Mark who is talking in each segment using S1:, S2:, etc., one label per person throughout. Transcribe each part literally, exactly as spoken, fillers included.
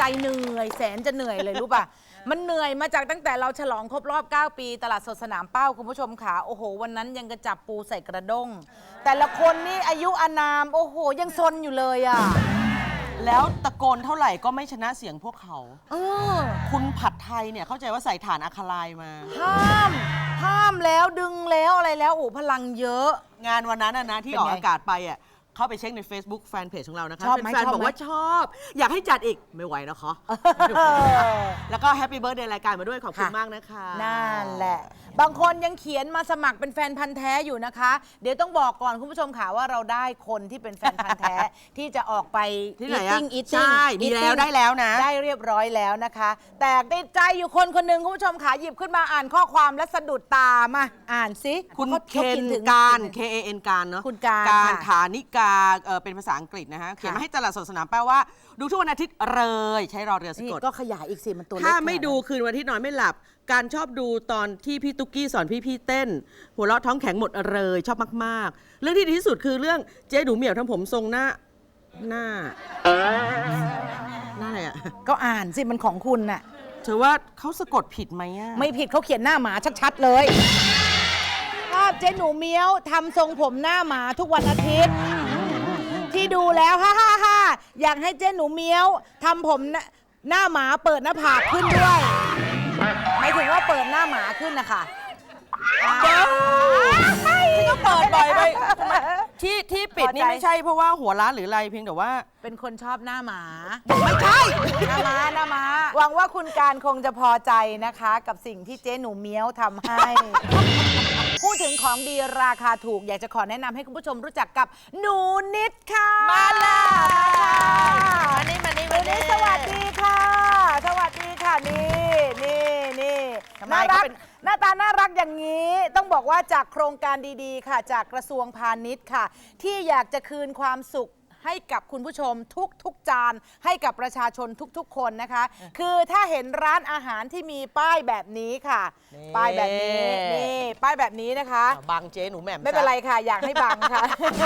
S1: เหนื่อยแสนจะเหนื่อยเลยรู้ป่ะมันเหนื่อยมาจากตั้งแต่เราฉลองครบรอบเก้าปีตลาดสดสนามเป้าคุณผู้ชมขาโอ้โหวันนั้นยังกระจับปูใส่กระด้งแต่ละคนนี่อายุอานามโอ้โหยังซนอยู่เลยอ่ะ
S2: แล้วตะโกนเท่าไหร่ก็ไม่ชนะเสียงพวกเขา
S1: เออ
S2: คุณผัดไทยเนี่ยเข้าใจว่าใส่ฐานอะคาไลน์มา
S1: ห้ามห้ามแล้วดึงแล้วอะไรแล้วโอ้พลังเยอะ
S2: งานวันนั้นนะที่ออกอากาศไปอ่ะเข้าไปเช็คใน Facebook แฟนเพจของเรานะคะเป็นแฟนบอกว่าชอบอยากให้จัดอีกไม่ไหวนะคะแล้วก็แฮปปี้เบิร์ธเดย์รายการมาด้วยขอบคุณมากนะคะ
S1: นั่นแหละบางคนยังเขียนมาสมัครเป็นแฟนพันธ์แท้อยู่นะคะเดี๋ยวต้องบอกก่อนคุณผู้ชมค่ะว่าเราได้คนที่เป็นแฟนพันธ์แท้ที่จะออกไป
S2: ที่ไหนอ่ะ
S1: ใช่
S2: มีแล้วได้แล้วนะ
S1: ได้เรียบร้อยแล้วนะคะแต่ติดใจอยู่คนคนหนึ่งคุณผู้ชมค่ะหยิบขึ้นมาอ่านข้อความและสะดุดตามาอ่านสิ
S2: คุณเคนการ K A N การเนาะ
S1: คุณการ
S2: การฐานิกาเป็นภาษาอังกฤษนะฮะเขียนมาให้ตลาดสดสนามแปลว่าดูทุกวันอาทิตย์เลยใช้รอเรือสะกด
S1: ก็ขยายอีกสิมันตัวเล็ก
S2: ถ้าไม่ดูคืนวันอาทิตย์นอนไม่หลับการชอบดูตอนที่พี่ตุ๊กกี้สอนพี่พี่เต้นหัวเราะท้องแข็งหมดเลยชอบมากๆเรื่องที่ดีที่สุดคือเรื่องเจ๊หนูเหมียวทำผมทรงหน้าหน้าหน้าอะไรอ่ะ
S1: ก็อ่านสิมันของคุณน่ะ
S2: เธอว่าเขาสะกดผิดไหมอ่ะ
S1: ไม่ผิดเขาเขียนหน้าหมาชัดๆเลยภาพเจ๊หนูเมียวทำทรงผมหน้าหมาทุกวันอาทิตย์ที่ดูแล้วฮ่าฮ่าฮ่าอยากให้เจ๊หนูเมียวทำผมหน้าหมาเปิดหน้าผากขึ้นด้วยหมายถึงว่าเปิดหน้าหมาขึ้นนะคะ
S2: ที่ก็เปิดบ่อยไปที่ที่ปิดนี่ไม่ใช่เพราะว่าหัวร้านหรืออะไรเพียงแต่ว่า
S1: เป็นคนชอบหน้าหมา
S2: ไม่ใช่
S1: หน้าหมาหน้าหมาหวังว่าคุณการคงจะพอใจนะคะกับสิ่งที่เจ๊หนูเมียวทำให้พูดถึงของดีราคาถูกอยากจะขอแนะนำให้คุณผู้ชมรู้จักกับหนูนิดค่ะ
S2: มาเลยมานี่มานี่มา
S1: นี่สวัสดีค่ะสวัสดีค่ะนี่นี่นี่น่ารักหน้าตาน่ารักอย่างนี้ต้องบอกว่าจากโครงการดีๆค่ะจากกระทรวงพาณิชย์ค่ะที่อยากจะคืนความสุขให้กับคุณผู้ชมทุกๆจานให้กับประชาชนทุกๆคนนะคะคือถ้าเห็นร้านอาหารที่มีป้ายแบบนี้ค่ะป้ายแบบนี้นี่ป้ายแบบนี้นะคะ
S2: บังเจ๊หนูแหม่ม
S1: ไม่เป็นไรค่ะอยากให้บังค่ะ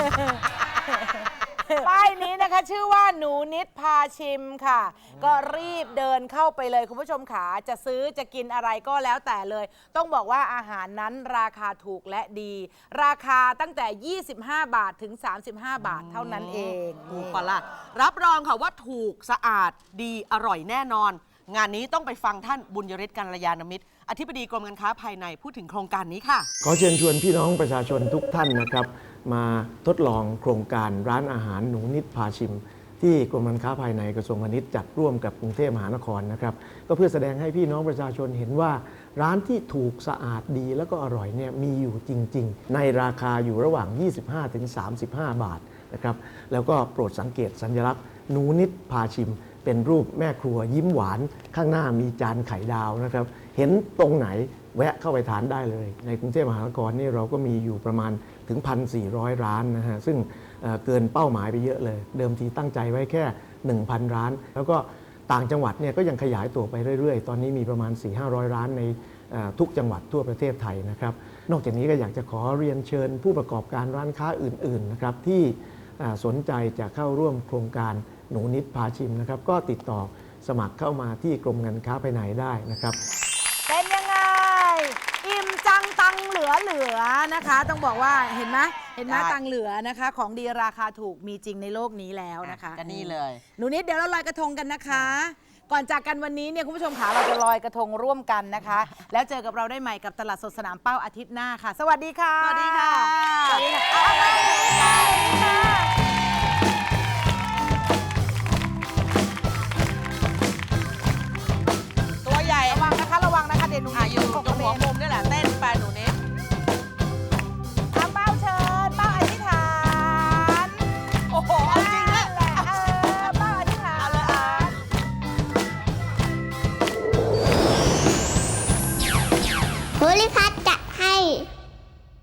S1: ป้ายนี้นะคะชื่อว่าหนูนิดพาชิมค่ะก็รีบเดินเข้าไปเลยคุณผู้ชมขาจะซื้อจะกินอะไรก็แล้วแต่เลยต้องบอกว่าอาหารนั้นราคาถูกและดีราคาตั้งแต่ยี่สิบห้าบาทถึงสามสิบห้าบาทเท่านั้นเอง
S2: ถูกปะล่ะรับรองค่ะว่าถูกสะอาดดีอร่อยแน่นอนงานนี้ต้องไปฟังท่านบุญยฤทธิ์กัลยาณมิตรอธิบดีกรมการค้าภายในพูดถึงโครงการนี้ค่ะ
S3: ขอเชิญชวนพี่น้องประชาชนทุกท่านนะครับมาทดลองโครงการร้านอาหารหนูนิดพาชิมที่กรมการค้าภายในกระทรวงพาณิชย์จัดร่วมกับกรุงเทพมหานครนะครับก็เพื่อแสดงให้พี่น้องประชาชนเห็นว่าร้านที่ถูกสะอาดดีแล้วก็อร่อยเนี่ยมีอยู่จริงๆในราคาอยู่ระหว่าง ยี่สิบห้าถึงสามสิบห้า บาทนะครับแล้วก็โปรดสังเกตสัญลักษณ์หนูนิดพาชิมเป็นรูปแม่ครัวยิ้มหวานข้างหน้ามีจานไข่ดาวนะครับเห็นตรงไหนแวะเข้าไปทานได้เลยในกรุงเทพมหานครนี่เราก็มีอยู่ประมาณถึง หนึ่งพันสี่ร้อย ร้านนะฮะซึ่งเกินเป้าหมายไปเยอะเลยเดิมทีตั้งใจไว้แค่ หนึ่งพัน ร้านแล้วก็ต่างจังหวัดเนี่ยก็ยังขยายตัวไปเรื่อยๆตอนนี้มีประมาณ สี่ถึงห้าร้อย ร้านในทุกจังหวัดทั่วประเทศไทยนะครับนอกจากนี้ก็อยากจะขอเรียนเชิญผู้ประกอบการร้านค้าอื่นๆนะครับที่สนใจจะเข้าร่วมโครงการหนูนิดพาชิมนะครับก็ติดต่อสมัครเข้ามาที่กรมการค้าภายในได้นะครับ
S1: เป็นยังไงอิ่มจังตังเหลือเหลือนะคะต้องบอกว่าเห็นไหมเห็นไหมตังเหลือนะคะของดีราคาถูกมีจริงในโลกนี้แล้วนะคะ
S2: กันนี่เลย
S1: หนูนิดเดี๋ยวเราลอยกระทงกันนะคะก่อนจากกันวันนี้เนี่ยคุณผู้ชมขาเราจะลอยกระทงร่วมกันนะคะแล้วเจอกับเราได้ใหม่กับตลาดสดสนามเป้าอาทิตย์หน้าค่ะสวัสดีค่ะ
S2: สวัสดีค่ะ
S1: สวัสดีค่ะ